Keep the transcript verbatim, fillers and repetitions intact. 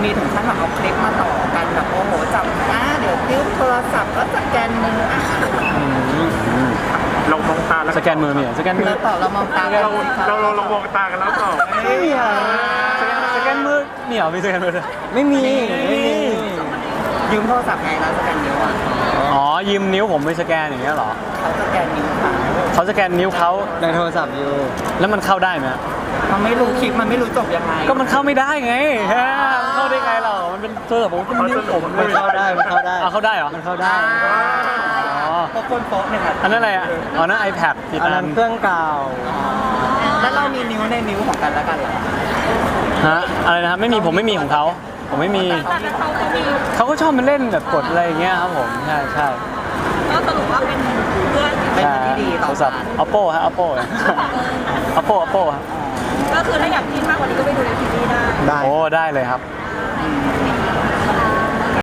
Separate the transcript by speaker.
Speaker 1: มีถึงขั้นแบบเอาคลิปมาต่อกันแบบโอ้โหจับอ่ะเดี๋ยวติ้วโทรศัพท์แล้วสแกนมืออ่ะ
Speaker 2: เรามองตาแล้ว
Speaker 3: สแกนมือมีเหรอสแกนมือ
Speaker 1: แล้วต่อเรามองตา
Speaker 2: เราเราเราเรามองตากันแล้วต่อ
Speaker 3: ไม่มีอ่ะสแกนสแกนมือมีเหรอมีสแกนมือด้วย
Speaker 4: ไม่มีไม่มี
Speaker 1: ยืมโทรศัพท์ไงแล้วสแกนนิ้วอ่ะ
Speaker 3: อ๋อยืมนิ้วผมไปสแกนอย่างเงี้ยเหรอ
Speaker 1: เขาสแกนนิ้วค่ะ
Speaker 3: เขาสแกนนิ้วเขา
Speaker 4: ในโทรศัพท์อยู่
Speaker 3: แล้วมันเข้าได้ไหม
Speaker 1: มันไม่รู้คลิปมันไม่รู้จบยังไง
Speaker 3: ก็มันเข้าไม่ได้ไงฮะมันเข้าได้ไงเรามันเป็นโทรศัพท์ผมก็เป็นนิ้วผม
Speaker 4: มันเข้าได้มันเข้าได้
Speaker 3: เอาเข้าได้เหรอ
Speaker 4: มันเข้าได้
Speaker 3: อ๋อ
Speaker 1: พวกคนโป๊ะเนี่ยค่ะ
Speaker 3: อันนั้นอะไรอ่ะอ๋อนั่น iPad ติด
Speaker 4: อัน
Speaker 3: อั
Speaker 4: นั้น นเครื่องเก่า
Speaker 1: แล้วเรามีนิ้วในนิ้วของกันแล้วกันเหรอ
Speaker 3: ฮะอะไรนะครับไม่มีผมไม่มีของเขาผมไม่มี
Speaker 5: แต่เขาก็มี
Speaker 3: เขาก็ชอบมาเล่นแบบกดอะไรอย่างเงี้ยครับผมใช่ใช่
Speaker 5: ก็สรุปว่าเป็นเพื่อน
Speaker 1: เป็น
Speaker 3: ใช่
Speaker 1: ที่ดี
Speaker 3: โท
Speaker 1: ต่อ
Speaker 3: รศัพท์
Speaker 1: กัน
Speaker 3: oppo ฮะ oppo ฮะ oppo oppo ฮะ
Speaker 5: ก็คือถ้าอยากกินมากกว่านี้ก็ไปดูในทีวีได้
Speaker 4: ได้
Speaker 3: โอ้ได้เลยครับ